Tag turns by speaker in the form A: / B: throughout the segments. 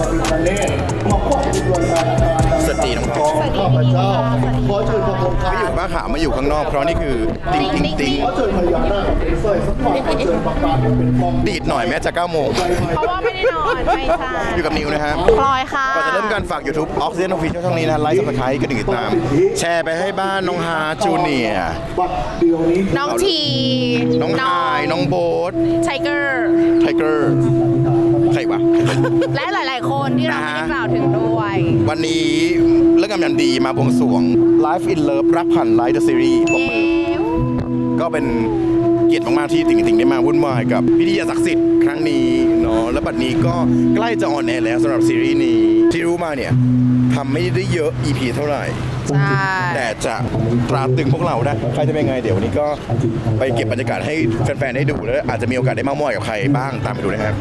A: สวัสดีน้องพ่อข้าพเจ้าขอเชิญพระองค์ไม่อยู่บ้านขามาอยู่ข้างนอกเพราะนี่คือติ๊งติ๊งติ๊งขอเชิญพญานาคเป็นสร้อยสักหน่อยขอเชิญประกาศเป็นกองดีดหน่อยแม้จะ9 โมง
B: เพราะว่าไม่ได้นอนไม่ใช่
A: อยู่กับนิวนะฮะ
B: พลอยค่ะ
A: ก่อนจะเริ่มการฝาก YouTube Oxygen Official ช่องนี้นะไลค์ Subscribe ก็ติดตามแชร์ไปให้บ้านน้องฮาจูเนียร์
B: น้องที
A: น้องไฮน้องโบ๊ท
B: ไทเกอร์
A: ใครวะ
B: และหลายๆคนที่เราไม่ได้กล่าวถึงด้วย
A: วันนี้เรื่องงานดีมาบวงสรวง Life in Love รักผ่านไลฟ์เดอะซีรีส์ปรบมือก็เป็นเกียรติมากๆที่ติ่งได้มาวุ่นวายกับพิธีศักดิ์สิทธิ์ครั้งนี้เนาะและบัดนี้ก็ใกล้จะออนแอร์แล้วสำหรับซีรีส์นี้ที่รู้มาเนี่ยทำไม่ได้เยอะ EP เท่าไหร่แต่จะตราตรึงพวกเราได้ใครจะเป็นไงเดี๋ยววันนี้ก็ไปเก็บบรรยากาศให้แฟนๆได้ดูแล้วอาจจะมีโอกาสได้เม้ามอยกับใครบ้างตามไปดูนะครับ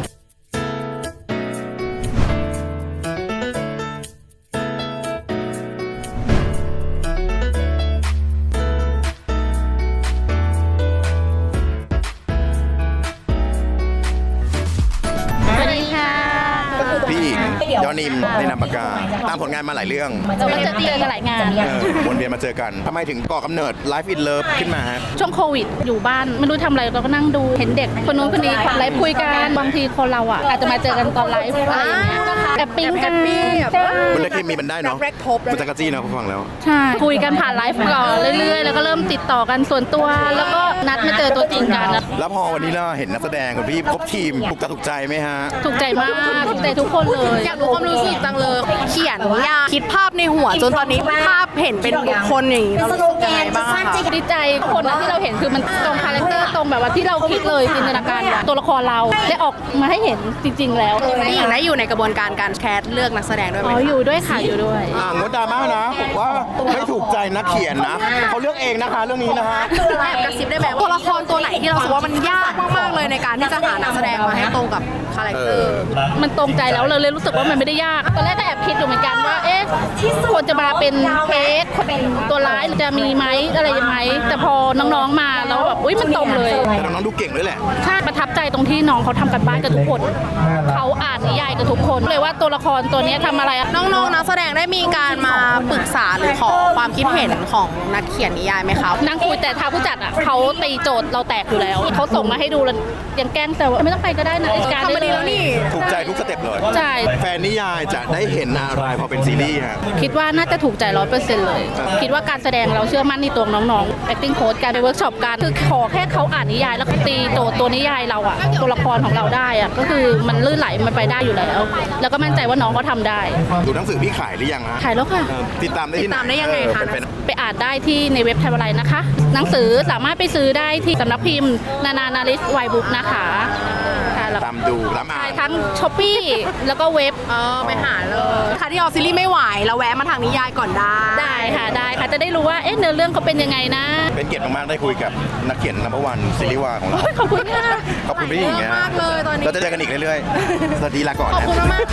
A: ยอนิมในนามปากกาตามผลงานมาหลายเรื่อง
B: จะมาเจอกันหลายงาน
A: วนเวียนมาเจอกันทำไมถึงก่อกำเนิด Life in Love ขึ้นมาฮะ
B: ช่วงโควิดอยู่บ้านไม่รู้ทำอะไรเราก็นั่งดูเห็นเด็กคนนู้นคนนี้ไลฟ์คุยกันบางทีคนเราอ่ะอาจจะมาเจอกันตอนไลฟ์อะไรอย่างเงี้ยแอบปิ้งกัน
A: มันได้เคมีมันได้เนาะมันจะกระจี้นะฟังแล้ว
B: ใช่คุยกันผ่านไลฟ์ก่อนเรื่อยๆแล้วก็เริ่มติดต่อกันส่วนตัวแล้วก็นัดมาเจอตัวจริงกัน
A: แล้วพอวันนี้เราเห็นนักแสดงกับพี่ครบทีมถูกใจไหมฮะ
B: ถูกใจมากถูกใจทุกคนเลย
C: อยากรู้ความรู้สึกจังเลยเขียนยากคิดภาพในหัวจนตอนนี้ภาพเห็นเป็นบุคคลอย่างนี้เรารู้สึกยังไงบ้างคะ
B: ดีใจคนที่เราเห็นคือมันตรงคาแรคเตอร์ตรงแบบว่าที่เราคิดเลยจินตนาการตัวละครเราได้ออกมาให้เห็นจริงๆแล้ว
C: พี่หญิงได้อยู่ในกระบวนการการแคสเลือกนักแสดงด้วยไหม
B: อยู่ด้วยค่ะอยู่ด้วย
A: งดดราม่านะผมว่าไม่ถูกใจนักเขียนนะเขาเลือกเองนะคะเรื่องนี้นะคะ
C: แอบกระซิบได้ไหมตัวละครตัวไหนที่เราคิดว่ามันยากมากๆเลยในการที่จะหานักแสดงมาให้ตรงกับคาแรคเตอร์
B: มันตรงใจแล้วเราเลยรู้สึกว่ามันไม่ได้ยากตอนแรกก็แอบคิดอยู่เหมือนกันว่าควรจะมาเป็นเพจตัวร้ายจะมีไหมอะไรไหมแต่พอน้องๆมาแล้วแบบมันตรงเลย
A: แต่น้องๆดูเก่งด้วยแหละ
B: ใช่ประทับใจตรงที่น้องเขาทำกันบ้านกับทุกคนเขาอ่านนิยายกับทุกคนเลยว่าตัวละครตัวนี้ทำอะไร
C: น้องๆนักแสดงได้มีการมาปรึกษาหรือขอความคิดเห็นของนักเขียนนิยายไหมคะ
B: นั่งคุยแต่ทางผู้จัดเขาตีโจทย์เราแตกอยู่แล้วเขาส่งมาให้ดูแล้วยังแกล้งแต่ว่าไม่ต้องไปก็ได้นะ
C: การทำมาดีแล้วนี่
A: ถูกใจทุกสเต็ปเลย
B: ใช่
A: แฟนนิยายจะได้เห็นอะไรพอเป็นซีรีส์ฮะ
B: คิดว่าน่าจะถูกใจ 100% เลยคิดว่าการแสดงเราเชื่อมั่นในตัวน้องๆ acting coach การไปเวิร์กช็อปกันคือขอแค่เขาอ่านนิยายแล้วตีโจทย์ตัวนิยายเราอะตัวละครของเราได้อะก็คือมันลื่นไหลมันไปได้อยู่แล้วแล้วก็มั่นใจว่าน้องเขาทำได้
A: ดูหนังสือพี่ขายหรือยังฮะ
B: ขายแล้วค่ะ
A: ติดตามได้ที่ไหน
C: ยังไงคะ
B: ไปอ่านได้ที่ในเว็บไทยอะไรนะคะหนังสือสามารถไปซื้อได้ที่สำนักพิมพ์นาริสไวบุ๊กนะคะ
A: ตามดูตามอ่าน
B: ทั้งช้อปปี้แล้วก็เว็บ
C: ไปหาเลยค่ะที่ออกซีรีส์ไม่ไหวเราแวะมาทางนิยายก่อน
B: ได้ค่ะจะได้รู้ว่าเนื้อเรื่องเขาเป็นยังไงนะ
A: เป็นเกียรติมากๆได้คุยกับนักเขียนนัมเบอร์วันซีรีส์วายของเรา
B: ขอบคุณค่ะ
A: ขอบคุณพี่หญิง
C: มากเลยตอนนี้
A: เราจะเจอกันอีกเรื่อยๆสวัสดีลาก่อน
C: ขอบคุณมาก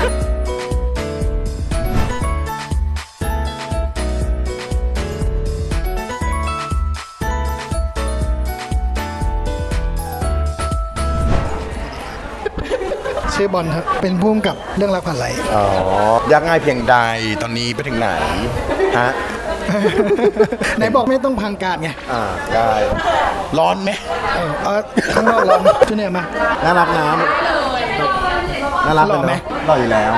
D: ชื่อบอลครับเป็นผู้กำกับเรื่องรักผ่านไหล
A: ยากง่ายเพียงใดตอนนี้ไปถึงไหนฮะ
D: ไหนบอกไม่ต้องพังการไง
A: ได้ร้อนไหม
D: ข้างนอกร้อนช่วยเนี่ยมา
A: น่ารักน้ำน่ารักไหมรออยู่แล้ว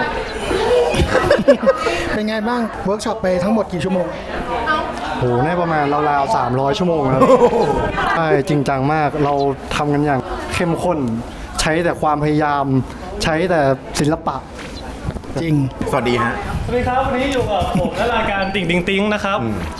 D: เป็นไงบ้างเวิร์กช็อปไปทั้งหมดกี่ชั่วโมง
E: โหได้ประมาณราวๆ300 ชั่วโมงครับใช่จริงจังมากเราทำกันอย่างเข้มข้นใช้แต่ความพยายามใช้แต่ศิลปะ
D: จริง
A: สวัสดีฮะ
F: สวัสดีครับวันนี้อยู่กับผมและรายการติ่งติงติงนะครับ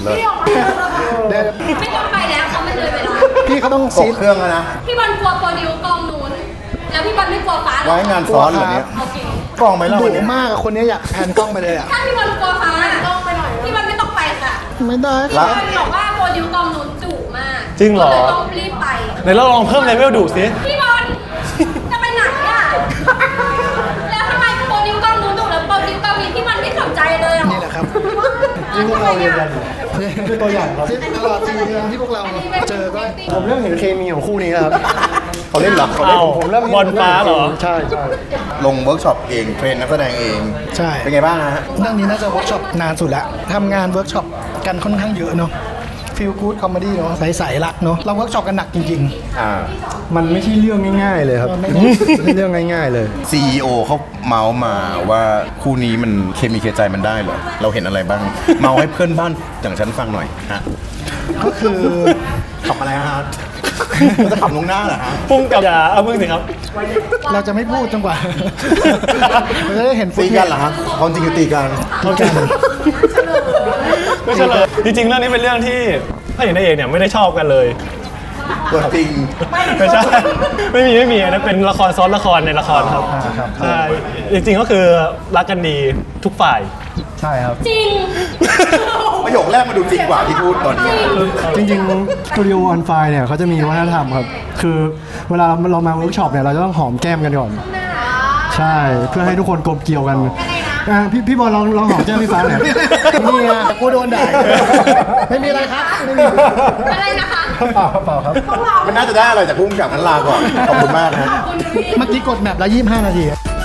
G: ไม่ต้องไปแล้วเขาไม่เคยไปแล้ว
D: พี่เขาต้อง
A: ซีเครื่องแล้วนะ
G: พี่บอลกลัวโปรดิวกองนู้นแล้วพี่บอลไม่กลัวฟ้า
A: ไว้งานซ้อนแบบนี้กล้องไหมล่ะ
D: ดุมากคนนี้อยากแพนกล้องไปเลย
G: ถ้าพี่บอลกลัวฟ้ากล้องไปหน่อยพี่บอลไม่ต้องไปค่ะ
D: ไม่ได้
G: พี่บอลบอกว่าโปรดิวกองนู้นดุมาก
F: จริงเหรอ
G: ต้องรีบไป
F: ไหนเราลองเพิ่มเลเวลดุสิ
G: พี่บอลจะไปไหนอ่ะแล้วทำไมโปรดิวกองนู้นดุแล้วโปรดิวกองนี้พี่บอลไม่สนใจเลย
D: นี่แหละครับ
E: ที่พวกเราเรียนกันคือตัวอย่างครับ
D: ตลอด4 เดือนที่พวกเราเจอก็
E: ผมเริ่มเห็นเคมีของคู่นี้แล้วครับ
A: เขาเล่นเหรอเขาเล่น
F: อ้าว
E: ผมเริ่ม
F: บอลฟ้าเหรอ
E: ใช่ใช่
A: ลงเวิร์กช็อปเองเทรนนักแสดงเอง
D: ใช่
A: เป็นไงบ้างฮะ
D: เรื่องนี้น่าจะเวิร์กช็อปนานสุดแล้วทำงานเวิร์กช็อปกันค่อนข้างเยอะเนาะฟีลกู๊ดคอมเมดี้เนาะใสๆรักเนาะเราเวิร์กช็อปกันหนักจริง
E: มันไม่ใช่เรื่องง่าย ๆ เลยครับ
D: ไม่
E: ไม่ใช่เรื่องง่าย ๆ เลย
A: CEO เขาเมาส์มาว่าคู่นี้มันเคมีเคใจมันได้เหรอ เราเห็นอะไรบ้าง เมาให้เพื่อนบ้านอย่างฉันฟังหน่อยฮะ
D: ๆ ก็คือ
A: ขับอะไรฮะ มันจะขับลงหน้าเหรอฮะ
F: พุ่งกับอย่าเอามึงสิครับ
D: เราจะไม่พูดจนกว่า เราจะได้เห็น
A: ตีกันเหรอฮะความจริงคือตีกัน
D: ตีกัน
F: ไม่ใช่เลยจริงๆเรื่องนี้เป็นเรื่องที่พระเอกนางเอกเนี่ยไม่ได้ชอบกันเลย
A: ตัวจริง
F: ไม่ใช่ ไม่มีอันนั้นเป็นละครซ้อนละครในละครครับใช่จริงๆก็คือรักกันดีทุกฝ่าย
E: ใช่ครับ
G: จริง
A: ประโยคแรกมาดูจริงกว่าที่พูดตอนนี้
E: จริงๆสตูดิโอออนไฟเนี่ยเขาจะมีวัฒนธรรมครับ คือเวลาเรามาเวิร์กช็อปเนี่ยเราจะต้องหอมแก้มกันก่อน ใช่ เพื่อให้ทุกคนกลมเกลียวกันพี่บอลลองหอมแก้มพี่ฟ้าหน่อย
D: นี่ไงกูโดนด่าไม่มีอะไรครับไม่มี
G: อะไรนะคะ
E: เปล่าครับ
A: มันน่าจะได้อะไรจากพุ่งกับนั้นลาก่อน ขอบคุณมากนะ
D: เมื่อกี้กดแมปแล้ว25 นาที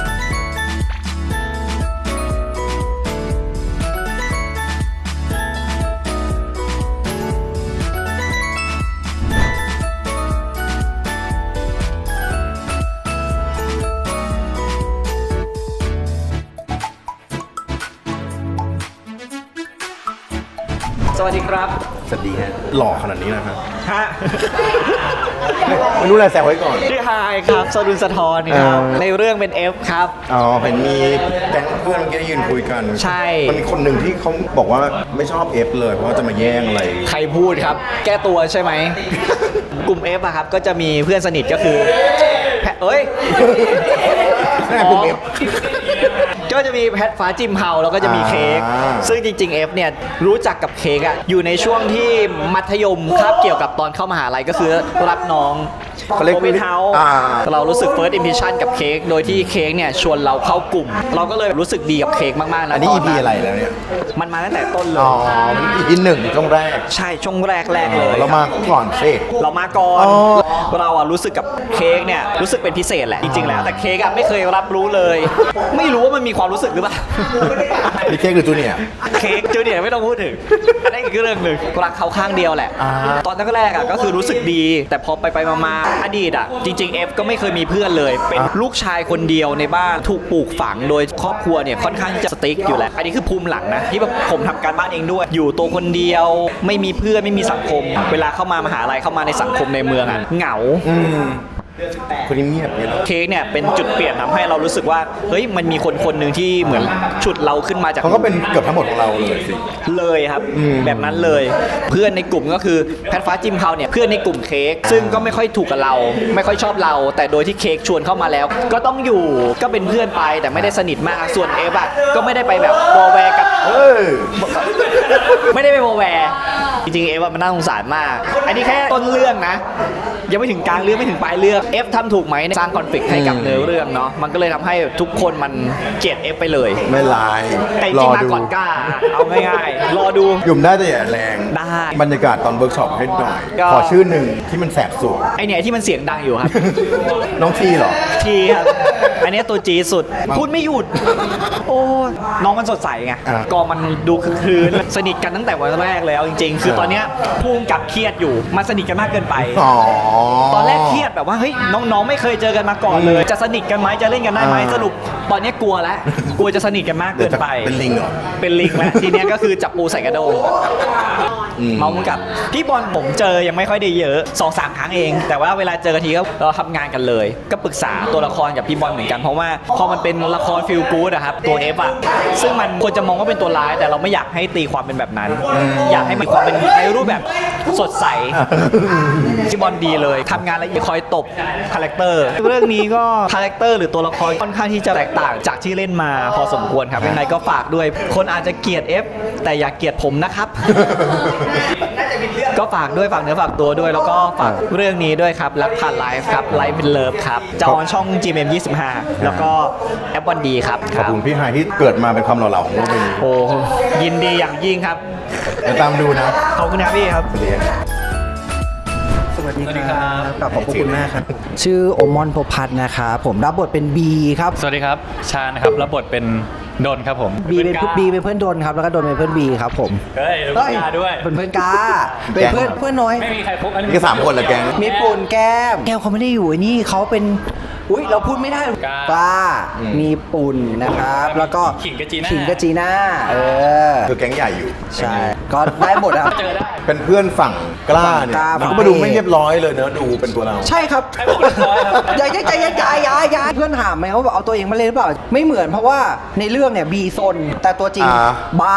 H: สวัสดีครับ
A: สวัสดีฮะ หล่อขนาดนี้นะครับ
H: ฮะ
A: ไม่รู้อะไรแซวไว้ก่อน
H: ชื่อไฮครับสรุนสะทรครับในเรื่องเป็น F ครับ
A: อ๋อเห็นมีแก๊งเพื่อนเมื่อกี้ได้ยืนคุยกัน
H: ใช่
A: มันมีคนหนึ่งที่เขาบอกว่าไม่ชอบเอฟเลยเพราะว่าจะมาแย่งอะไร
H: ใครพูดครับ แก้ตัวใช่ไหม กลุ่ม F อะครับ ก็จะมีเพื่อนสนิทก็คือเอ้ย
A: แม่กลุ่ม F
H: ก็จะมีแพทฟ้าจิมเฮาแล้วก็จะมีเค้ก
A: อ่า
H: ซึ่งจริงๆ F เนี่ยรู้จักกับเค้กอะอยู่ในช่วงที่มัธยมคาบเกี่ยวกับตอนเข้ามหาลัยก็คือรับน้อง
A: เขาเรียก
H: โอเปนเฮาส์
A: อ่า
H: เรารู้สึก first impression กับเค้กโดยที่เค้กเนี่ยชวนเราเข้ากลุ่ม เราก็เลยรู้สึกดีกับเค้กมากๆแล้ว
A: อันนี้
H: ต
A: EP อะไรแล้วเนี่ย
H: มันมาตั้งแต่ต้นเล
A: อ๋
H: ย
A: อ EP หนึ่งช่วงแรก
H: ใช่ช่วงแรกเลย
A: เรามาก่อนสิ
H: เรามาก่อน
A: อ๋อ
H: เราอะรู้สึกกับเค้กเนี่ยรู้สึกเป็นพิเศษแหละจริงๆแล้วแต่เค้กอะไม่เคยรับรู้เลย ไม่รู้ว่ามันมีความรู้สึกหรือเปล่า
A: นี่เค้กหรือจูเนียร์
H: เค้กจูเนียร์ไม่ต้องพูดถึงอันนั้นอีกเรื่องหนึ่งรักเขาข้างเดียวแหละ
A: อ่า
H: ตอนแรกๆอะก็คือรู้สึกดี แต่พอไปมาอดีตอะจริงๆ F ก็ไม่เคยมีเพื่อนเลย เป็นลูกชายคนเดียวในบ้านถูกปลูกฝังโดยครอบครัวเนี่ยค่อนข้างที่จะสติ๊กอยู่แหละอันนี้คือภูมิหลังนะที่แบบผมทำการบ้านเองด้วย อยู่ตัวคนเดียวไม่มีเพื่อนไม่มีสังคม เวลาเข้ามามหาลัยเข้ามาในสังคมในเมืองอะเหงา
A: คนนี้เงียบเลยนะ
H: เค้กเนี่ยเป็นจุดเปลี่ยนทำให้เรารู้สึกว่าเฮ้ยมันมีคนคนหนึ่งที่เหมือนฉุดเราขึ้นมาจาก
A: เขาก็เป็นเกือบทั้งหมดของเราเลยสิ
H: เลยครับแบบนั้นเลย เพื่อนในกลุ่มก็คือแพทฟ้าจิมเฮาเนี่ยเพื่อนในกลุ่มเค้กซึ่งก็ไม่ค่อยถูกกับเรา ไม่ค่อยชอบเรา แต่โดยที่เค้กชวนเข้ามาแล้ว ก็ต้องอยู่ก็เป็นเพื่อนไปแต่ไม่ได้สนิทมากส่วนเอฟอะก็ไม่ได้ไปแบบวอลแวร์กับ
A: เฮ้ย
H: ไม่ได้ไปวอลแวร์จริงๆเอฟมันน่าสงสารมาก อันนี้แค่ต้นเรื่องนะ ยังไม่ถึงกลางเรื่องไม่ถึงปลายเรื่องเอฟทำถูกไหมในสร้างคอนฟ lict ให้กับเนื้อเรื่องเนาะมันก็เลยทำให้ทุกคนมันเกลียดเอฟไปเลย
A: ไม่ลาย
H: แต่จริงๆมาก่อนกล้าเอาง่ายๆรอดู
A: หยุ่มได้แต่อย่าแรง
H: ได้
A: บรรยากาศตอนเวิร์กช็อปให้หน่อย
H: ก็
A: ขอชื่อหนึ่งที่มันแสบสวง
H: ไอเนี่ยที่มันเสียงดังอยู่ครับ
A: น้องทีเหรอ
H: ทีครับอันเนี้ยตัวจีดสุด พูดไม่หยุด โอ้น้องมันสดใสไง
A: อ่ะ
H: ก็มันดูคือคลืนสนิทกันตั้งแต่วันแรกแล้วจริงๆ คือตอนเนี้ยภูมิกับเครียดอยู่มันสนิทกันมากเกินไป
A: อ๋อ
H: ตอนแรกเครียดแบบว่าเฮ้ยน้องๆไม่เคยเจอกันมาก่อนเลย จะสนิทกันไหมจะเล่นกันได้ไหม
A: อ่า
H: สรุปตอนเนี้ยกลัวแล้วกลัวจะสนิทกันมากเกินไป
A: เป็นลิงเหรอ
H: เป็นลิงแล้วทีเนี้ยก็คือจับปูใส่กระโดง เมาส์กับพี่บอลผมเจอยังไม่ค่อยได้เยอะ 2-3 ครั้งเอง แต่ว่าเวลาเจอกันทีก็เราทำงานกันเลย ก็ปรึกษาตัวละครกับพี่บอลเหมือนกันเพราะว่าพอมันเป็นละครฟีลกู๊ดอะครับตัวเอฟอะซึ่งมันควรจะมองว่าเป็นตัวร้าย แต่เราไม่อยากให้ตีความเป็นแบบนั้น อยากให้มีความเป็นในรูปแบบสดใสพี่บอลดีเลยทำงานแล้วคอยตบคาแรคเตอร์เรื่องนี้ก็คาแรคเตอร์หรือตัวละครค่อนข้างที่จะแตกต่างจากที่เล่นมาพอสมควรครับยังไงก็ฝากด้วยคนอาจจะเกลียดเอฟแต่อย่าเกลียดผมนะครับ ก็ฝากด้วยฝากเนื้อฝากตัวด้วย แล้วก็ฝากเรื่องนี้ด้วยครับรักผ่านไลฟ์ครับไลฟ์เป็นเลิฟครับจะออนช่อง GMM 25 แล้วก็แอปวันดีครับ
A: ขอบคุณพี่ไฮที่เกิดมาเป็นความหล่อเหลาของโลกใบนี้
H: โอ้ยินดีอย่างยิ่งครับ
A: เดี๋ยวตามดูนะ
H: ขอบคุณครับพี่ครับ
A: สวัสดีครับ
I: วัสดีครับขอบคุณมากครับ ชื่อโอมอนพบพัฒน์นะครับผมรับบทเป็นบีครับ
J: สวัสดีครับ ชาญนะครับรับบทเป็นดนครับผม
I: บีเป็นเพื่อนดนครับแล้วก็ดนเป็นเพื่อนบีครับผม
J: เฮ้ยแล้วกาด้วย
I: เป็นเพื่อนกาเป็นเพื่อนน้อย
J: ไม่มีใครพบอันนี้
A: นี่ก็3 คนเหรอแก๊ง
I: มีปุ่นแก้มเขาไม่ได้อยู่ไอ้นี่เขาเป็นอุ้ยเราพูดไม่ได้กล้ามีปุ่นนะครับแล้วก็
J: ขิงกับจีน่า
I: ขิงกับจีน่า
A: คือแก๊งใหญ่อยู่
I: ใช่ก็ได้หมดครับ
J: เจอได้
A: เป็นเพื่อนฝั่งกล้าเนี่ย มันก็มาดูไม่เรียบร้อยเลยเนอะดูเป็นตัวเรา
I: ใช่ครับ
J: ให้ผมเรียบร้อยครับ
I: อย่าเพื่อนถามไหมว่าเอาตัวเองมาเล่นหรือเปล่าไม่เหมือนเพราะว่าในเรื่องเนี่ยบีซนแต่ตัวจริงบ้าม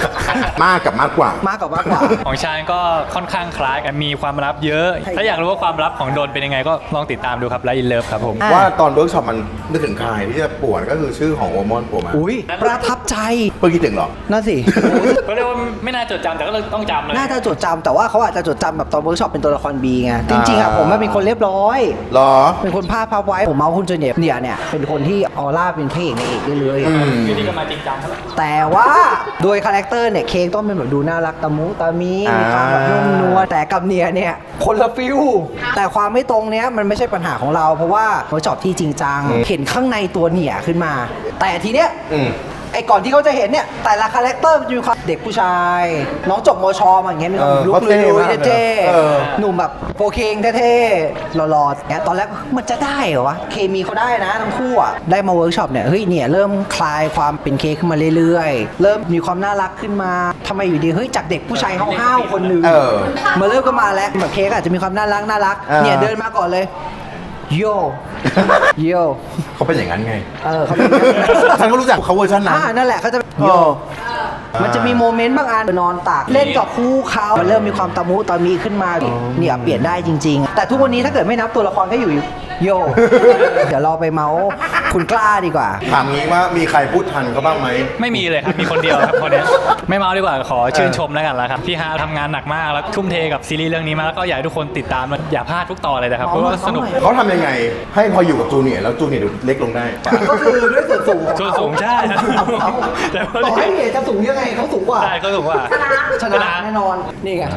A: ากกับมากกว่า
I: มากกว่า
J: ของชาญก็ค่อนข้างคล้ายกันมีความลับเยอะ ถ้าอยากรู้ว่าความลับของโดนเป็นยังไงก็ลองติดตามดูครับไลฟ์อินเลิฟครับผม
A: ว่าตอนเวิร์กช็อปมันนึกถึงใครที่จะป่วนก็คือชื่อของโอมอนโผล่มา
I: อุ้ยประทับใจ
A: เพิ่งคิดถึงเหรอ
I: นั่นสิ
J: ก็เรียกว่าไม่น่าจดจำแต่ก็ต้องจำเลย
I: น่าจะจดจำแต่ว่าเขาอาจจะจดจำแบบตอนเวิร์กช็อปเป็นตัวละครบีไงจริงๆอะผมเป็นคนเรียบร้อย
A: หรอ
I: เป็นคนภาพไว้ผมเมาคุณจูเนียร์เนี่ยเป็นคนที่ออร่าเป็นพระเอกในเอกได้เลย
J: วิธีก็มาจริงจังครับ
I: แต่ว่าโดยคาแรคเตอร์เนี่ยเค้กต้องเป็นแบบดูน่ารักตะมุตะมีมีความแบบนุ่มนวลแต่กับเนี่ยคนละฟิลแต่ความไม่ตรงเนี้ยมันไม่ใช่ปัญหาของเราเพราะว่าเวิร์กช็อปที่จริงจังเห็นข้างในตัวเนี่ยขึ้นมา แต่ทีเนี้ยไอ้ก่อนที่เขาจะเห็นเนี่ยแต่ละคาแรคเตอร์มันจะมีความเด็กผู้ชายน้องจบมชมาอย่างเงี้ยมีความลุกเลยเท่ๆหนุ่มแบบโฟเคงเท่ๆหล่อๆเนี่ยตอนแรกมันจะได้เหรอวะเคมีเขาได้นะทั้งคู่อะได้มาเวิร์กช็อปเนี่ยเฮ้ยเนี่ยเริ่มคลายความเป็นเค้กขึ้นมาเรื่อยๆเริ่มมีความน่ารักขึ้นมาทำไมอยู่ดีเฮ้ยจากเด็กผู้ชายห้าวๆคนหนึงมาเริ่มก็มาแล้วแบบเค้กอาจจะมีความน่ารักเนี่ยเดินมาก่อนเลยโย
A: เขาเป็นอย่างนั้นไง
I: เขาเป็น
A: ฉันก็รู้จักเขาเวอร์ชันนั้น
I: นั่นแหละเขาจะโยมันจะมีโมเมนต์บางอันนอนตากเล่นกับคู่เขามันเริ่มมีความตะมุตะมีขึ้นมาเนี่ยเปลี่ยนได้จริงๆแต่ทุกวันนี้ถ้าเกิดไม่นับตัวละครก็อยู่โย เดี๋ยวเราไปเมาส์คุณกล้าดีกว่า
A: ถามงี้ว่ามีใครพูดทันเขาบ้างไหม
J: ไม่มีเลยครับมีคนเดียวครับคนนี้ไม่เมาดีกว่าขอชื่นชมแล้วกันละครับพี่ฮาทำงานหนักมากแล้วทุ่มเทกับซีรีส์เรื่องนี้มากแล้วก็อยากให้ทุกคนติดตามอย่าพลาดทุกตอนเลยนะครับเพราะว่าสนุก
A: เขาทำยังไงให้พออยู่กับจูเนียร์แล้วจูเนียร์ดูเล็กลงได้
I: ก็คือด้วยส่วนสูง
J: ส่วนสูงใช่
I: แต่ต่อให้เนียจะสูงยังไงเขาสูงกว่า
J: ใช่เขาสูงกว่า
I: ชนะแน่นอนนี่ไง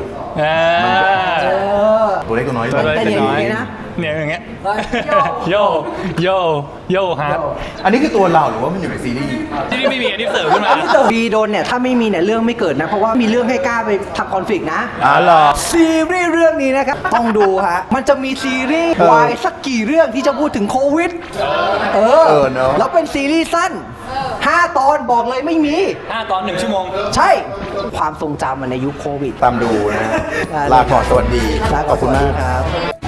A: ตัวเล็กตัวน้อย
I: แต่เนี่ยอย่างนี้นะ
J: เนี่ยอย่างเงี้ยโยฮาร์ด
A: อันนี้คือตัวเราหรือว่ามันอยู่ในซีรีส์
J: ที่นี่ไม่มีอันนี้เสริมขึ้นมา
I: บีโดนเนี่ยถ้าไม่มีเนี่ยเรื่องไม่เกิดนะเพราะว่ามีเรื่องให้กล้าไปทำคอนฟ lict นะ
A: เหรอ
I: ซีรีส์เรื่องนี้นะครับต้องดูฮะมันจะมีซีรีส์วายสักกี่เรื่องที่จะพูดถึงโควิดแล้วเป็นซีรีส์สั้น5 ตอนบอกเลยไม่มี
J: 5 ตอน 1 ชั่วโมง
I: ใช่ความทรงจำในยุคโควิด
A: ตามดูนะลาก่อนสวัสดี
I: ขอบคุณมากครับ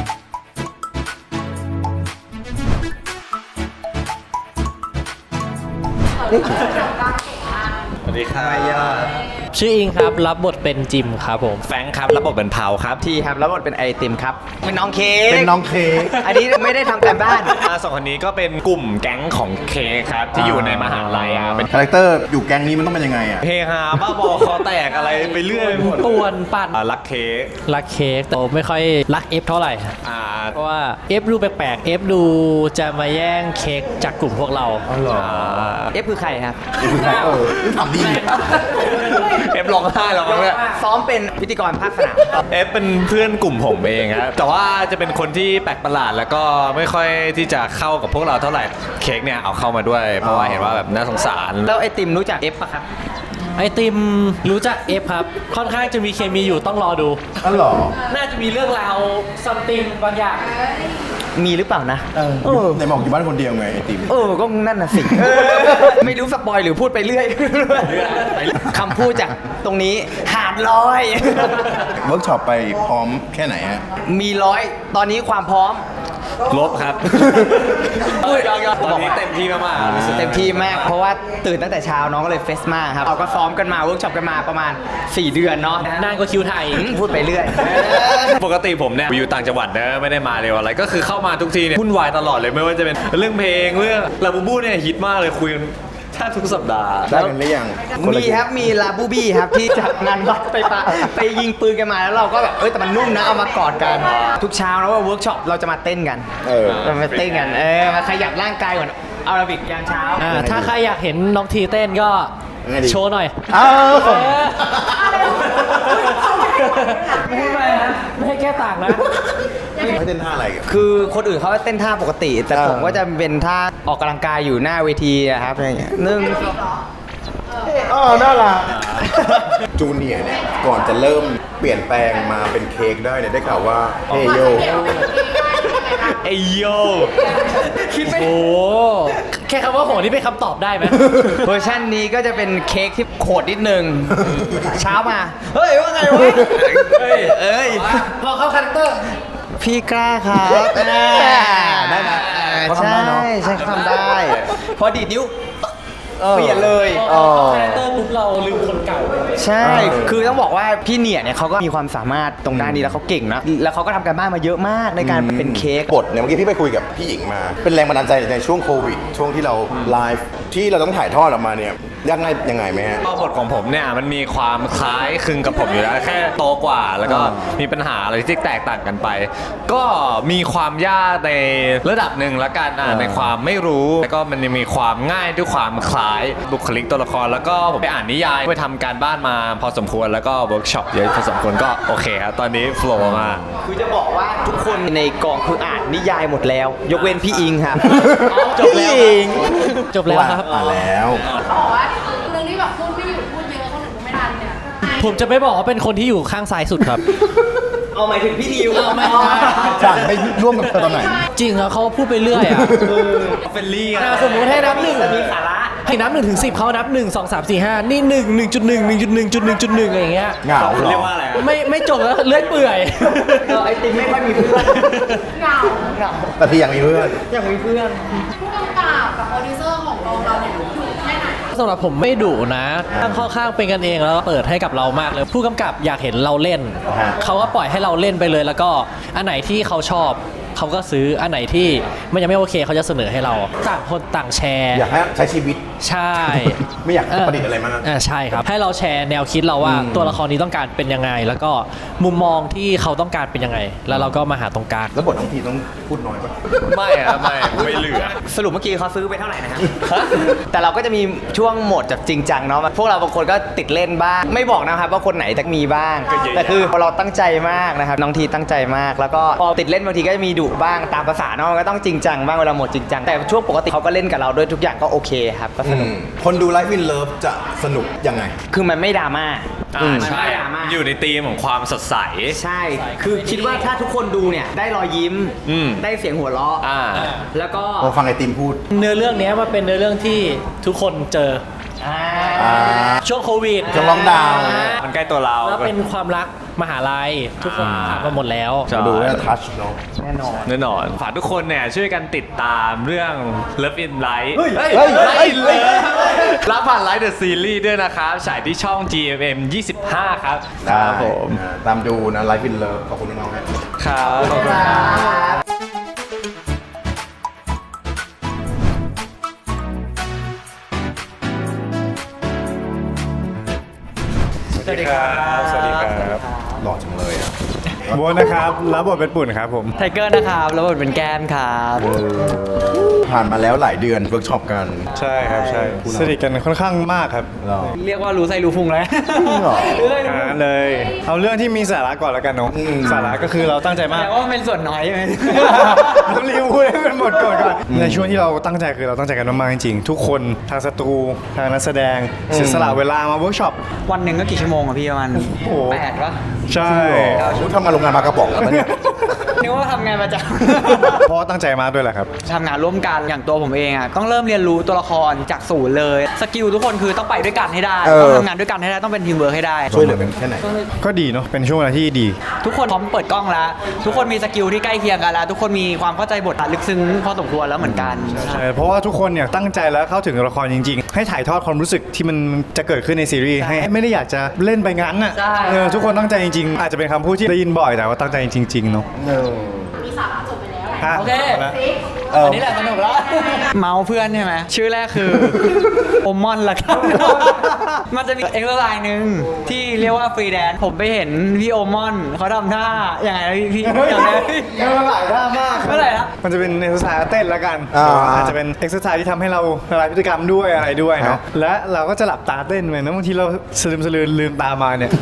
K: สวัสดีครับ
L: ชื่ออิงครับรับบทเป็นจิมครับผม
K: แฟรงค์ครับรับบทเป็นเผาครับที่ครับรับบทเป็นไอติมครับ
I: เป็นน้องเค้กอันนี้ไม่ได้ทำการบ้าน
K: สองคนนี้ก็เป็นกลุ่มแก๊งของเค้กครับที่อยู่ในมหาลัย
A: เป็นคาแรคเตอร์อยู่แก๊งนี้มันต้องเป็นยังไง
K: เฮฮาบ้าบอคอแตกอะไรไปเรื่อย
L: ป่วนปั่น
K: รักเค้
L: กแต่ไม่ค่อยรักเอฟเท่าไหร่เพราะว่าเอฟดูแปลกๆเอฟดูจะมาแย่งเค้กจากกลุ่มพวกเรา
I: เอฟคือใครครับ
A: ทำดี
K: เอฟร้องไห้แล้วมั้งเนี่ย
I: ซ้อมเป็นพิธีกรภาคสนาม
K: เอฟเป็นเพื่อนกลุ่มผมเองครับแต่ว่าจะเป็นคนที่แปลกประหลาดแล้วก็ไม่ค่อยที่จะเข้ากับพวกเราเท่าไหร่เค้กเนี่ยเอาเข้ามาด้วยเพราะว่าเห็นว่าแบบน่าสงสาร
I: แล้วไอติมรู้จักเอฟปะครับ
L: ไอติมรู้จักเอฟครับค่อนข้างจะมีเคมีอยู่ต้องรอดู
A: หรอ
L: น่าจะมีเรื่องราวซัมติงบางอย่าง
I: มีหรือเปล่านะ
A: ในบอกอยู่บ้านคนเดียวไงไอติม
I: ก็นั่นน่ะสิไม่รู้สปอยหรือพูดไปเรื่อยคำพูดจากตรงนี้หาดลอย
A: เวิร์กช็อปไปพร้อมแค่ไหนฮะ
I: มี100ตอนนี้ความพร้อม
K: ลบครับตอนนี้เต็มที่มาก
I: เต็มที่มากเพราะว่าตื่นตั้งแต่เช้าน้องก็เลยเฟสมากครับเราก็ซ้อมกันมาเวิร์กช็อปกันมาประมาณ4 เดือนเนาะ
L: นานกว่าคิวไทย
I: พูดไปเรื่อย
K: ปกติผมเนี่ยอยู่ต่างจังหวัดนะไม่ได้มาเร็วอะไรก็คือเข้ามาทุกทีเนี่ยวุ่นวายตลอดเลยไม่ว่าจะเป็นเรื่องเพลงเรื่องลาบูบูเนี่ยฮิตมากเลยคุยกันแทบทุกสัปดาห์
A: ได้กันหรือยัง
I: มีครับมีลาบูบี้ครับที่จากงานวัดไปยิงปืนกันมาแล้วเราก็แบบแต่มันนุ่มนะเอามากอดกันทุกเช้าแล้วว่าเวิร์กช็อปเราจะมาเต้นกันเรามาเต้นกันมาขยับร่างกายก่อนอาราบิกยามเช้า
L: ถ้าใครอยากเห็นน้องทีเต้นก็โชว์หน่อยไม่ให้แก้ต่างนะ
A: ไม่เต้นท่าอะไรกัน
M: คือคนอื่นเขาเต้นท่าปกติ แต่ผมก็จะเป็นท่าออกกำลังกายอยู่หน้าเวทีอะครับอะไรอย่างเงี้ยหนึ่ง
A: อ๋อน่ารักจูเนียร์เนี่ยก่อนจะเริ่มเปลี่ยนแปลงมาเป็นเค้กได้เนี่ยได้ข่าวว่าเฮโย
J: เอยโย
L: คิดไม่โอ้แค่คำว่าโหนี่เป็นคำตอบได้ไหม
M: เวอร์ชันนี้ก็จะเป็นเค้กที่โขดนิดนึง เช้ามา เฮ้ย ว่าไงวะ เอ้ย
L: พอเข้าคาแรคเตอร์
M: พี่กล้าครับได้ไหมใช่ใช่ทำได้ พอดีดนิ้วเปลี่ยนเลย
L: คาแรคเตอร์ปุ๊บเราลืมคนเก่า
M: ใช่ คือต้องบอกว่าพี่เนี่ยเขาก็มีความสามารถตรงด้านนี้แล้วเขาเก่งนะ แล้วเขาก็ทำการบ้านมาเยอะมากในการเป็นเค้ก
A: บทเนี่ยเมื่อกี้พี่ไปคุยกับพี่หญิงมา เป็นแรงบันดาลใจในช่วงโควิด ช่วงที่เราไลฟ์ที่เราต้องถ่ายทอดออกมาเนี่ยยังไงไหมฮะ
K: บทของผมเนี่ยมันมีความคล้ายคลึงกับผมอยู่แล้วแค่โตกว่าแล้วก็มีปัญหาอะไรที่แตกต่างกันไป ก็มีความยากในระดับหนึ่งละกันในความไม่รู้แล้วก็มันยังมีความง่ายด้วยความคล้ายบุคลิกตัวละครแล้วก็ผมไปอ่านนิยายไปทำการบ้านมาพอสมควรแล้วก็เวิร์กช็อปเยอะพอสมควรก็โอเคครับตอนนี้โฟล์มาก
M: คือจะบอกว่าทุกคนในกองคืออ่านนิยายหมดแล้ว ยกเว้นพี่อิงครับ
L: จบแล้วจบแล้วครับ
A: แล้ว
G: บอกว่าเรื่องที่แบบพูดไม่หยุดพูดเยอะคนอื่นพูดไม่ทันเนี่ย
L: ผมจะไม่บอกว่าเป็นคนที่อยู่ข้างซ้ายสุดครับ
M: เอาหมายถึงพี่ดิว
L: ไม่
A: จางไม่ร่วมกับเธอตอนไหน
L: จริงครับเขาพูดไปเรื่อยอ่ะ
K: เฟลลี่
L: สมมติให้นับหนึ่ง
M: มีสาระ
L: ให้นับ1 ถึง 10เขานับ1 2 3 4 5นี่1 1.1 1.1.1.1อะไรอย่างเงี้ย
A: เหงาเหรอ
K: เรียกว่าอะไร
L: ไม่จบแล้วเลื่อยเปื่อย
M: ไอติมไม่ค่อยมีเพื่อน
G: เหงา
A: แต่ที่ยังมีเพื่อน
M: อยากมีเพื่อน
G: ผู้กำกับกับโปรดิวเซอร์ของกองเราเนี่ยอยู่แค่ไหน
L: สำหรับผมไม่ดุนะค่อนข้างเป็นกันเองแล้วก็เปิดให้กับเรามากเลย ผู้กำกับอยากเห็นเราเล่น เขาก็ปล่อยให้เราเล่นไปเลย แล้วก็อันไหนที่เขาชอบเขาก็ซื้ออันไหนที่มันยังไม่โอเคเขาจะเสนอให้เราต่างคนต่างแชร์
A: อยากให้ใช้ชีวิต
L: ใช่
A: ไม่อยากประดิษฐ์อะไรมาก
L: ใช่ครับให้เราแชร์แนวคิดเราว่าตัวละครนี้ต้องการเป็นยังไง แล้วก็มุมมองที่เขาต้องการเป็นยังไง แล้วเราก็มาหาตรงกลาง
A: แล้วบทน้องพีต้องพูดน้อยป่ะ
K: ไม่อะไม่เหลือ
M: สรุปเมื่อกี้เขาซื้อไปเท่าไหร่นะครับ แต่เราก็จะมีช่วงโหมดแบบจริงจังเนาะ พวกเราบางคนก็ติดเล่นบ้าง ไม่บอกนะครับว่าคนไหนจะมีบ้าง แต่คือเราตั้งใจมากนะครับ น้องทีตั้งใจมาก แล้วก็พอติดเล่นบางทีก็จะมีดุบ้างตามภาษาเนาะมันก็ต้องจริงจังบ้างเวลาโหมดจริงจัง แต่ช่วงปกติเขาก็เล่นกับเราด้วยทุกอย่างก็โอเคครับ ก็สนุก
A: คนดู Life in Love จะสนุกยังไง
M: คือมันไม่ดราม่า
K: ใช่
M: ไม่ดราม่า
K: อยู่ในธีมของความสดใส
M: ใช่ คือคิดว่าถ้าทุกคนดูเนี่ยได้รอยยิ้ม ได้เสียงหัวเราะ แล้วก็
A: พอฟังไอติมพูด
L: เนื้อเรื่องนี้มันเป็นเนื้อเรื่องที่ทุกคนเจอช่วงโควิด
A: ช่วงล็อกดาวน์
K: มันใกล้ตัวเรา
L: แล้วเป็นความรักมหาลัยทุกคนผ่านมาหมดแล้ว
A: ดูแล้วทัชเนาะ
M: แน่นอน
K: แน่นอนฝากทุกคนเนี่ยช่วยกันติดตามเรื่อง Love in Light รับผ่าน Light the Series ด้วยนะครับฉายที่ช่อง GMM 25 ครับ
A: ครับผมตามดูนะ Life in Love ขอบคุณน้องๆนะครับ
K: ขอบคุณครับ
F: สวัสดีครับ สวัสดีครับ
A: หล่อจังเลยอ่ะ
F: โบ๊ทนะครับ รับบทเป็นปุ่นครับผม
M: ไทเกอร์นะครับแล้วบทเป็นแก้มครับ
A: ผ่านมาแล้วหลายเดือนเวิร์กช็อปกัน
F: ใช่ครับ ใช่ สนิทกันค่อนข้างมากครับ
A: เรา
M: เรียกว่ารู้ไส้รู้พุงแล้ว
A: หรอ
F: เลย เอาเรื่องที่มีสาระก่อนแล้วกันเนาะ สาระก็คือเราตั้งใจมาก
M: แต่ว่าเป็นส่วนน้อยใช่ไหม
F: ต้องรีบพูดให้มันหมดก่อนในช่วงที่เราตั้งใจคือเราตั้งใจกันมากๆจริงๆ ทุกคนทางสตูทางนักแสดงเสียสละเวลามาเวิร์กช็อป
M: วันหนึ่งก็กี่ชั่วโมงอะพี่ประมาณ
F: โอ้
M: 8ปะ
F: ใช่
A: ทำงานโรงงานมากระป๋องแล้วปะเนี่ย
M: นึกว่าทำงานประจ
F: เพราะว่าตั้งใจมากด้วยแหละครับ
M: ำ ทำงานร่วมกันอย่างตัวผมเองอะต้องเริ่มเรียนรู้ตัวละครจากศูนย์เลยสกิลทุกคนคือต้องไปด้วยกันให้ได้ต้องทำงานด้วยกันให้ได้ต้องเป็นทีมเวิร์คให้ได้
A: ช่วยเหลือกันแค่ไหน
F: ก็ดีเนาะ เป็นช่วงเวลาที่ดี
M: ทุกคนพร้อมเปิดกล้องแล้ว ทุกคนมีสกิลที่ใกล้เคียงกันแล้ว ทุกคนมีความเข้าใจบทลึกซึ้งพอสมควรแล้วเหมือนกัน
F: ใช่ เพราะว่าทุกคนเนี่ยตั้งใจแล้วเข้าถึงตัวละครจริงๆ ให้ถ่ายทอดความรู้สึกที่มันจะเกิดขึ้นในซีรีส์ให้ไม่ได้อยากจะเล่นไปงั้นน่ะ
M: ใช่
F: ทุกคนตั้งใจจริงๆ อาจจะเป็นคำพูดที่ได้ยินบ่อยแต่ว่าตั้งใจจริงๆเนาะ
G: มีสาระจบไปแล้ว
F: โอเค
M: อันนี้แหละสนุกแล้ว เมาส์เพื่อนใช่ไหมชื่อแรกคือ โอมอนละกัน มันจะมีเอ็กซ์ไลน์หนึ่งที่เรียกว่าฟรีแดนซ์ผมไปเห็นพี่โอมอนเขาทำท่าอย่างไงนะพี่อย่างไร
F: หลายท่ามาก
M: เมื่อไหร่ละ
F: มันจะเป็นเอ็กซ์ไซส์เต้นแล้วกัน อาจจะเป็นเอ็กซ์ไซส์ที่ทำให้เราละลายพฤติกรรมด้วยอะไรด้วยเนาะและเราก็จะหลับตาเต้นไปนะบางทีเราสลืมลืมตามาเนี่ย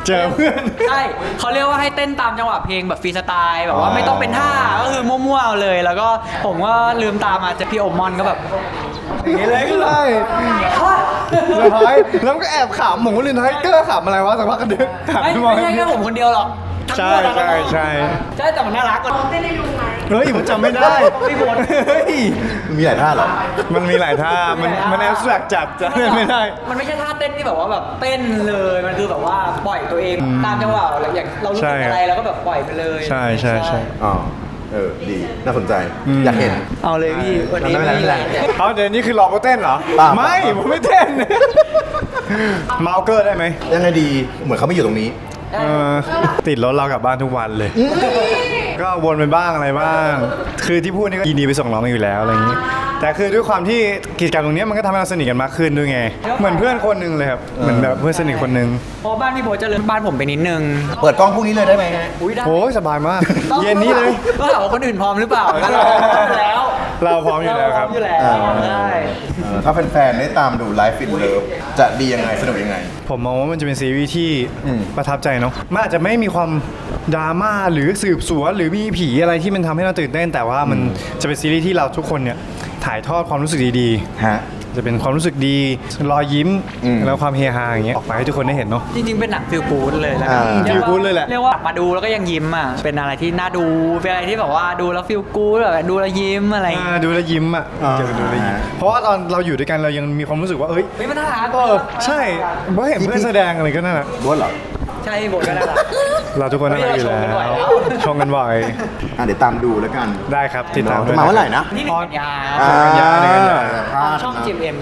F: เจอเพื่อน
H: ใช่เขาเรียกว่าให้เต้นตามจังหวะเพลงแบบฟรีสไตล์แบบว่าไม่ต้องเป็นท่าก็คือมั่วๆเอาเลย แล้วก็ผมก็ลืมตามาเจอพี่โอมอนก็แบบอย่างนี้เลย
F: ใช่เซอร์ไพรส์แล้วก็แอบขำผมก็เลยนะเกอร์ขำอะไรวะสักพักก็เดินถาม
H: ไม่
F: พี่บอย
H: ใช่แค่ผมคนเดียวหรอก
F: ใช่ใช่ใช่
H: ใช่แต่มันน่ารักกว่า
F: เฮ้ยผมจำไม่ได้
H: ไม่หมด
F: เฮ้ย
A: มีหลายท่าเหรอ
F: มันมีหลายท่ามันแอบแสกจัดจำไม่ได้
H: มันไม่ใช่ท่าเต้นที่แบบว่าแบบเต้นเลยมันคือแบบว่าปล่อยตัวเองตามจังหวะอย่างเรารู้สึกอะไรเราก็แบบปล่อยไปเลย
F: ใช่ใช่ใช่
A: อ๋อดีน่าสนใจอยากเห็น
H: เอาเลยพี่วันนี้
A: ไม่เป็นไร
F: เอาเดี๋ยวนี้คือหลอกเขาเต้นเหรอ
A: เปล่า
F: ไม่ผมไม่เต้นเมาเกอร์ได้ไหม
A: ยังไงดีเหมือนเขาไม่อยู่ตรงนี้
F: ติดรถเรากลับบ้านทุกวันเลย ก็วนไปบ้างอะไรบ้าง คือที่พูดนี่ก็ยินดีไปส่งน้องอยู่แล้วอะไรอย่างนี้ แต่คือด้วยความที่กิจกรรมตรงนี้มันก็ทำให้เราสนิทกันมากขึ้นด้วยไง เหมือนเพื่อนคนหนึ่งเลยครับ เหมือนแบบเพื่อนสนิทคนหนึ่ง
H: เพราะบ้านพี่โบจะเลื่อนบ้านผมไปนิดนึง
A: เปิดกล้องพรุ่งนี้เลยได้ไหมฮะ
H: อุ้ยได้
F: โอ้ยสบายมาก เย็นนี้เลย
H: ก็ถามว่าคนอื่นพร้อมหรือเปล่าเราพร้อมอยู่แล้ว
F: เราพร้อมอยู่แล้วครับ
H: เาพอมอยู่แล้วใช่
A: ถ้าแฟนๆได้ตามดู Life in Love จะดียังไงสนุกยังไง
F: ผมมองว่ามันจะเป็นซีรีส์ที่ประทับใจเนาะ มันอาจจะไม่มีความดราม่าหรือสืบสวนหรือมีผีอะไรที่มันทำให้เราตื่นเต้น แต่ว่ามันจะเป็นซีรีส์ที่เราทุกคนเนี่ยถ่ายทอดความรู้สึกดีๆ
A: ฮะ
F: จะเป็นความรู้สึกดีรอยยิ้มแล้วความเฮฮาอย่างเงี้ยออกมาให้ทุกคนได้เห็นเนาะ
H: จริงๆเป็นหนังฟิลกู๊ดเลยแล้ว
F: ฟีลกู๊ดเลยแหละ
H: เรียกว่ามาดูแล้วก็ยังยิ้มอ่ะเป็นอะไรที่น่าดูเป็นอะไรที่แบบว่าดูแล้วฟิลกู๊ดแบบดูแล้วยิ้มอะไรอย่างเงี้ย
F: ดูแลวยิ้มอ่ะจะดูแลวยิ้มเพราะว่าตอนเราอยู่ด้วยกันเรายังมีความรู้สึกว่าเอ้ย
H: ไม่มันน่ารัก
F: ใช่เพราะเห็นเพื่อนแสดงอะไรก็นั่นแหละ
A: บ้วนเหรอ
H: ใช่บทก็น่ารัก
F: เราทุกคนน่ารักอยู่แล้วชมกันบ่อย
A: เดี๋ยวตามดูแล้วกัน
F: ได้ครับติดตามด้วย
A: มาเมื่อไหร่นะ
H: นี่1 กันยา
F: กันยาในกันยา
H: ช่อง GMM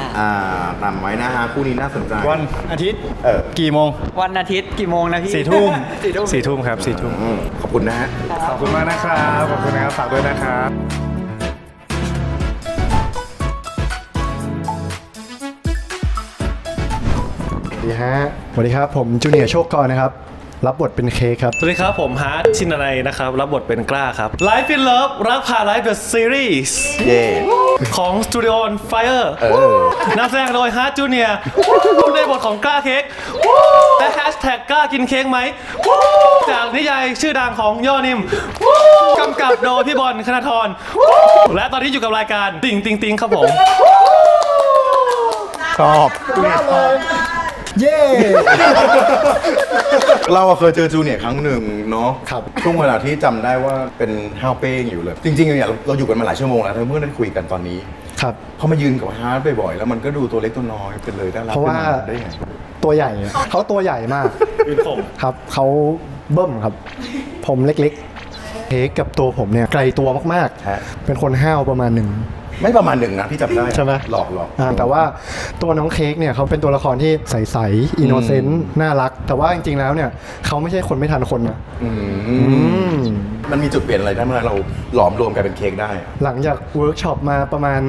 H: 25
A: ตามไว้นะฮะคู่นี้น่าสนใจ
F: วันอาทิตย์กี่โมง
H: วันอาทิตย์กี่โมงนะพี่
F: 4 ทุ่ม
H: 4 ทุ่ม
F: 4 ทุ่มครับ4 ทุ่ม
A: ขอบคุณนะฮะ
F: ขอบคุณมากนะครับขอบคุณนะครับฝากด้วยนะครับ
E: สวัสดีฮะสวัสดีครับผมจูเนียร์โชคกรนะครับ รับบทเป็นเค้กครับ
N: สวัสดีครับผมฮาร์ดชินนัยนะครับ รับบทเป็นกล้าครับ Life in Love รักผ่าน Life the Series ของ Studio on Fire นำแสดงโดยฮาร์ดจูเนียร์ในบทของกล้าเค้กและแฮชแท็กกล้ากินเค้กไหมจากนิยายชื่อดังของย่อนิมกำกับโดยพี่บอลคณธรและตอนนี้อยู่กับรายการติ่งติงติงครับผม
A: ชอบเย้เราเคยเจอจูเนียร์ครั้งหนึ่งเนาะครับช่วงเวลาที่จำได้ว่าเป็นห้าวเป้งอยู่เลย จริงๆเนี่ยเราอยู่กันมาหลายชั่วโมงแล้วเมื่อได้คุยกันตอนนี้
E: ครับ
A: พอมายืนกับฮาร์ดบ่อยๆแล้วมันก็ดูตัวเล็กตัวน้อยเป็นเลยน่ารัก
E: เพราะว่า
A: ขึ้นมได้ไง
E: ตัวใหญ่เขาตัวใหญ่มากครับเขาเบิ้มครับ ผมเล็กๆเค้กกับตัวผมเนี่ยไกลตัวมากๆเป็นคนห้าวประมาณหนึ่ง
A: ไม่ประมาณหนึ่งนะพี่จำได้
E: ใช่ไหม
A: หลอก
E: แต่ว่าตัวน้องเค้กเนี่ยเขาเป็นตัวละครที่ใสๆอินโนเซนต์น่ารัก แต่ว่าจริงๆแล้วเนี่ยเขาไม่ใช่คนไม่ทันคนนะ
A: มันมีจุดเปลี่ยนอะไรได้เมื่อเราหลอมรวมกันเป็นเค้กได้
E: หลังจากเวิร์กช็อปมาประมาณ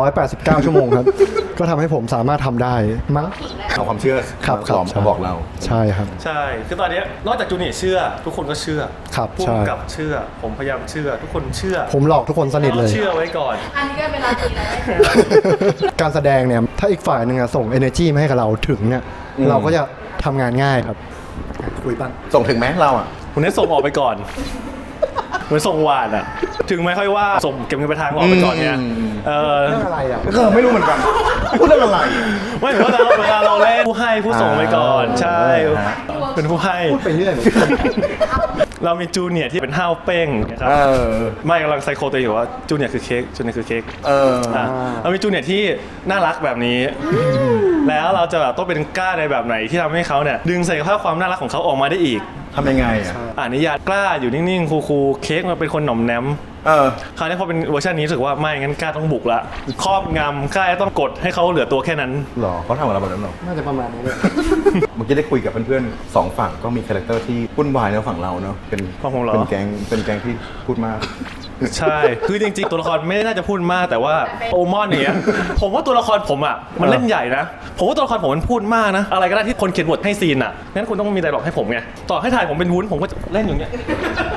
E: 389 ชั่วโมงครับ ก็ทำให้ผมสามารถทำได้มั้ง
A: เอาความเชื่อ
E: ครับ
A: หลอมมาบอกเรา
E: ใช่ครับ
N: ใช่ คือตอนนี้นอกจากจูเนียร์เชื่อ ทุกคนก็เชื่อ
E: ครับ
N: ผู้
E: ใช่
N: กำกับเชื่อ ผมพยายามเชื่อ ทุกคนเชื่อ
E: ผมหลอกทุกคนสนิทเลย
N: เชื่อไว้ก่อน
G: อันนี้ก็เป็นราตรีแล้ว
E: การแสดงเนี่ยถ้าอีกฝ่ายหนึ่งอะส่ง energy มาให้กับเราถึงเนี่ยเราก็จะทำงานง่ายครับ
A: คุยบ้างส่งถึงไหมเราอ่ะ
N: คุณให้ส่งออกไปก่อนเหมือนส่งหวานอะถึงไม่ค่อยว่าส่งเก็บเงินไปทางออกไปก่อนเนี่ย
E: เรื่องอะไรอ่ะ
A: ไม่รู้เหมือนกันพูดเรื่องอะไร
N: ไม่เวลาเราเล่นผู้ให้ผู้ส่งไปก่อน ใช่ เป็นผู้ให้
E: พูดไปเรื่อย
N: เรามีจูเนียร์ที่เป็นห้าวเป้งนะครับไม่กำลังไซโคตัวเองอยู่ว่าจูเนียร์คือเค้กจูเนียร์คือเค้กเรามีจูเนียร์ที่น่ารักแบบนี้ แล้วเราจะแบบต้องเป็นกล้าในแบบไหนที่ทำให้เขาเนี่ยดึงศักยภาพความน่ารักของเขาออกมาได้อีก
A: ทำยังไงอ่ะ
N: นิยายกล้าอยู่นิ่งๆคูลๆเค้กมันเป็นคนหน่อมแนมคราวนี้พอเป็นเวอร์ชันนี้รู้สึกว่าไม่งั้นกล้าต้องบุกละครอบงำกล้าต้องกดให้เขาเหลือตัวแค่นั้น
A: หรอเขาทำอะไรแบบนั้นหรอ
E: น่าจะประมาณนี้เลย
A: เมื่อกี้ได้คุยกับเพื่อนๆสองฝั่งก็มีคาแรคเตอร์ที่วุ่นวายในฝั่งเราเนาะเป็นแก๊งที่พูดมาก
N: ใช่ คือจริงๆตัวละครไม่น่าจะพูดมากแต่ว่าโอมอนเนี่ยผมว่าตัวละครผมอ่ะมันเล่นใหญ่นะผมว่าตัวละครผมมันพูดมากนะอะไรก็ได้ที่คนเขียนบทให้ซีนอ่ะงั้นคุณต้องมีไดร็อกให้ผมไงต่อให้ถ่ายผมเป็นวุ้นผมก็จะเล่นอย่างเงี้ย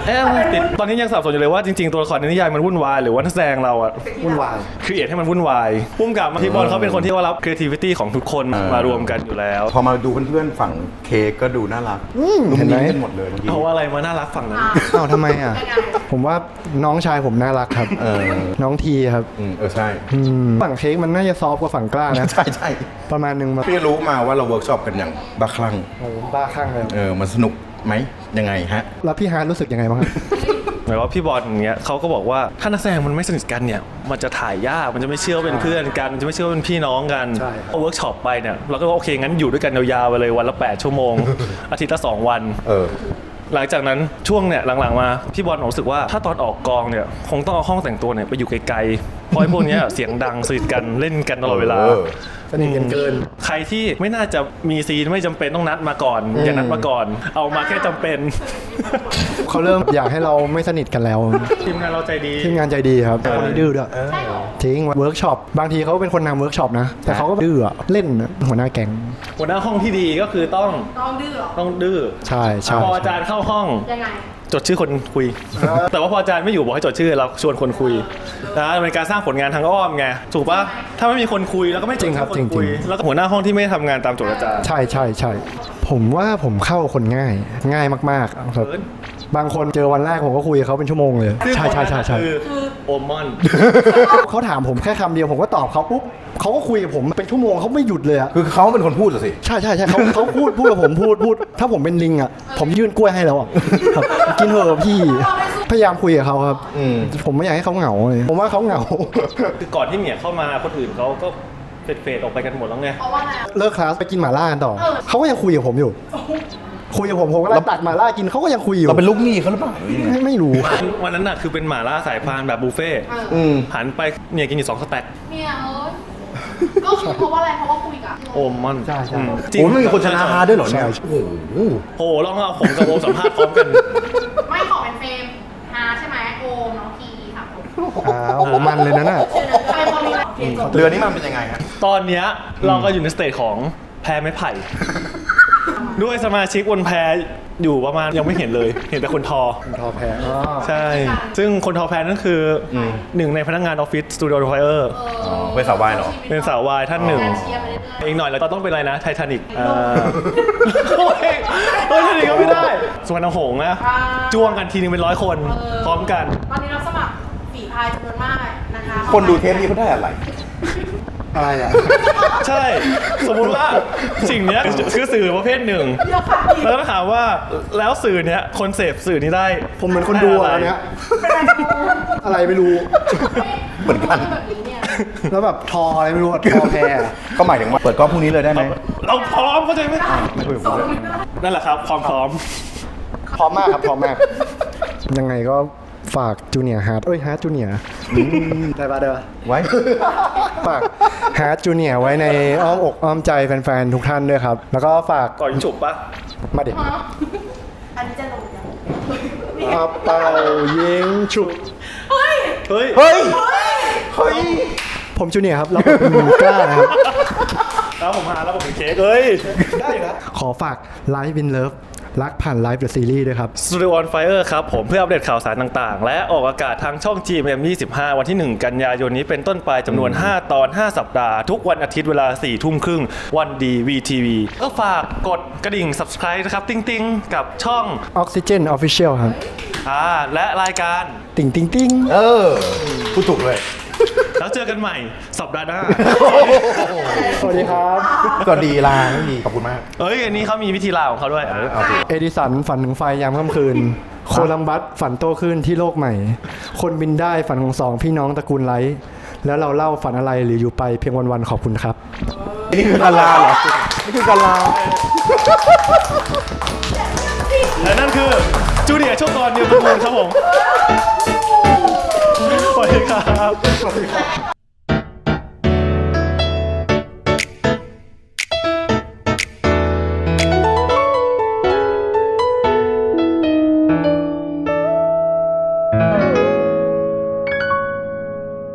N: ติดตอนนี้ยังสับสนอยู่เลยว่าจริงๆตัวละครในนิยายมันวุ่นวายหรือว่านักแสดงเราอะวุ่นวายครีเอทให้มันวุ่นวายพุ่มกับพี่บอลเขาเป็นคนที่ว่ารับ creativity ของทุกคนมารวมกันอยู่แล้ว
A: พอมาดูเพื่อนๆฝั่งเค้กก็ดูน่ารัก
E: เห็นไหม
A: กันหมดเลยเมื่อกี้
N: เพราะว่าอะไรมาน่ารักฝั่งนั้น
E: อ้าวทำไมอ่ะ ผมว่าน้องชายผมน่ารักครับน้องทีครับ
A: ใช่
E: ฝั่งเค้กมันน่าจะซอฟต์กว่าฝั่งกล้านะ
A: ใช่
E: ประมาณนึงมา
A: พี่รู้มาว่าเราเวิร์กช็อปกันอย่างบ้าคลั่ง
E: โอ้บ้าคลั่งเลย
A: มันสนุกไหมยังไงฮะ
E: แล้วพี่ฮาร์ดรู้สึกยังไไงบ้างครับ
N: หมายว่าพี่บอลอย่างเงี้ยเขาก็บอกว่าถ้านักแสดงมันไม่สนิทกันเนี่ยมันจะถ่ายยากมันจะไม่เชื่อว่าเป็นเพื่อนกันมันจะไม่เชื่อว่าเป็นพี่น้องกัน
E: ใช่ครับ
N: พอเวิร์กช็อปไปเนี่ยเราก็ว่าโอเคงั้นอยู่ด้วยกันยาวๆไปเลยวันละ8 ชั่วโมง อาทิตย์ละ2 วันหลังจากนั้นช่วงเนี่ยหลังๆมาพี่บอลรู้สึกว่าถ้าตอนออกกองเนี่ยคงต้องเอาห้องแต่งตัวเนี่ยไปอยู่ไกลๆเพราะไอ้พวกเนี้ยเสียงดังสนิทกันเล่นกันตลอดเวลา
E: สนิทกันเกิน
N: ใครที่ไม่น่าจะมีซีนไม่จำเป็นต้องนัดมาก่อนอย่านัดมาก่อนเอามาแค่จำเป็น
E: เขาเริ่มอยากให้เราไม่สนิทกันแล้ว
N: ทีมงานเราใจดี
E: ทีมงานใจดีครับคนนี้ดื้อด้วยจริงเวิร์กช็อปบางทีเขาเป็นคนนำเวิร์กช็อปนะแต่เขาก็ดื้อเล่นหัวหน้าแก๊ง
N: หัวหน้าห้องที่ดีก็คือต้องดื้อต้องดื้อ
E: ใช่
N: พออาจารย์เข้าห้อง
C: ยังไง
N: จดชื่อคนคุย แต่ว่าพออาจารย์ไม่อยู่บอกให้จดชื่อเราชวนคนคุยนะเป็นการสร้างผลงานทางอ้อมไงถูกปะถ้าไม่มีคนคุยแล้วก็ไม่จดชื่อคนคุยแล้วก็หัวหน้าห้องที่ไม่ทำงานตามโจทย์อาจารย์
E: ใช่ผมว่าผมเข้าคนง่ายมากๆครับบางคนเจอวันแรกผมก็คุยกับเขาเป็นชั่วโมงเลยใช่
N: คือโอมอน
E: เขาถามผมแค่คำเดียวผมก็ตอบเขาปุ๊บเขาก็คุยกับผมเป็นชั่วโมงเขาไม่หยุดเลยอะ
A: คือเขาเป็นคนพูดเหรอสิ
E: ใช่เขาพูดกับผมพูดถ้าผมเป็นลิงอะผมยื่นกล้วยให้แล้วอะครับกินเถอะพี่พยายามคุยกับเขาครับผมไม่อยากให้เขาเหงาเลยผมว่าเขาเหงา
N: คือก่อนที่เนี่ยเข้ามาคนอื่นเขาก็เฟดออกไปกันหมดแล้วไง
E: เลิกคลาสไปกินหม่าล่ากันต่อเขาก็ยังคุยกับผมอยู่คุยกับผมก็ไล่ตักหม่าล่ากินเขาก็ยังคุยอยู่
A: เราเป็นลูกหนี้เขาหรือเปล่า
E: ไม่รู้
N: วันนั้นน่ะคือเป็นหม่าล่าสายพานแบบบุฟเฟ่หันไปเนี่ยกินอยู่2 สแต็ก
G: เนี่ยก็คือเพราะว่าอะไรเพราะว่าคุยกับ
N: โอมมัน
E: ใช่
A: โอ้ไม่มีคนชนะฮาด้วยเหรอเนี่ย
N: โอ้ลองเอาผมกับโอมสัมภาษณ์พร้อมกัน
G: ไม่ขอเป็นเฟรมฮาใช่ไหมโอมน้องทีครับผม
E: โอ้โหมันเลยนะน่ะ
A: เรือนี้มันเป็นยังไงฮะ
N: ตอนเนี้ยเราก็อยู่ในสเตจของแพไม้ไผ่ ด้วยสมาชิกบนแพอยู่ประมาณยังไม่เห็นเลยเห็นแต่คนทอ
E: แพ
N: ใช่ซึ่งคนทอแพนั่นคือหนึ่งในพนักงานออฟฟิศสตูดิโอไฟเออร์
A: เป็นสาววายเหรอ
N: เป็นสาววายท่านหนึ่งอีกหน่อยแล้วก็ต้องเป็นอะไรนะไททานิกไททานิกก็ไม่ได้สุวรรณหงส์นะจ้วงกันทีนึงเป็น100 คนพร้อมกัน
G: ตอนนี้เราสมัครฝีพายจำนวนมากนะคะ
A: คนดูเทปนี้เขาได้อะไร
E: อ่ะ
N: ใช่สมมุติว่าสิ่งเนี้ยคือสื่อประเภทหนึ่งแล้วก็ถามว่าแล้วสื่อเนี้ยคนเสพสื่อนี้ได้
E: ผมเหมือนคนดูอะไรเนี้ยอะไรไม่รู้
A: เหมือนกัน
E: แล้วแบบทออะไรไม่รู้ทอแพ
A: ก็หมายถึงว่าเปิดกล้องพรุ่งนี้เลยได้ไหม
N: เราพร้อมเข้าใจไหมนั่นแหละครับความพร้อม
E: มากครับพร้อมมากยังไงก็ฝากจูเนียร์ฮาร์ดฮาร์ดจูเนียร์ได้ปะ
A: ไว้
E: ฝากฮาร์ดจูเนียร์ไว้ในอ้อมอกอ้อมใจแฟนๆทุกท่านด้วยครับแล้วก็ฝาก
N: ก่อนฉุบปะ
E: มาเด็ก
G: อันนี้จะลง
E: เป่ายิงฉุบ
N: เฮ้ย
E: ผมจูเนียร์ครับแล้วผมกล้านะครับ
N: แล้วผมหาแล้วผมเป็นเค้กเฮ้ย
E: ได้นะขอฝากไลฟ์วินเลิฟรักผ่านไลฟ์เดอะซีรีส์ด้วยครับ
N: Studio on Fire ครับผมเพื่ออัปเดตข่าวสารต่างๆและออกอากาศทางช่อง GMM25 วันที่ 1 กันยายนนี้เป็นต้นไปจำนวน5 ตอน 5 สัปดาห์ทุกวันอาทิตย์เวลา 4:30 วันดี VTV ก็ฝากกดกระดิ่ง Subscribe นะครับติ๊งๆกับช่อง
E: Oxygen Official ครับ
N: และรายการ
E: ติ๊ง
A: พูดถูกเลย
N: แล้วเจอกันใหม่สัปดาห์หน้า
E: สวัสดีครับ
A: สวัสดีลาไม่มีขอบคุณมาก
N: อันนี้เขามีวิธีลาของเขาด้วย
E: เอดิสันฝันถึงไฟยามค่ำคืนโคลัมบัสฝันโตขึ้นที่โลกใหม่คนบินได้ฝันของ2พี่น้องตระกูลไลท์แล้วเราเล่าฝันอะไรหรืออยู่ไปเพียงวันๆขอบคุณครับ
A: นี่คือการลาเหรอนี่คือการลา
N: และนั่นคือจูเนียร์โชคกรนิวตระกูลครับผมสวัสดีครับ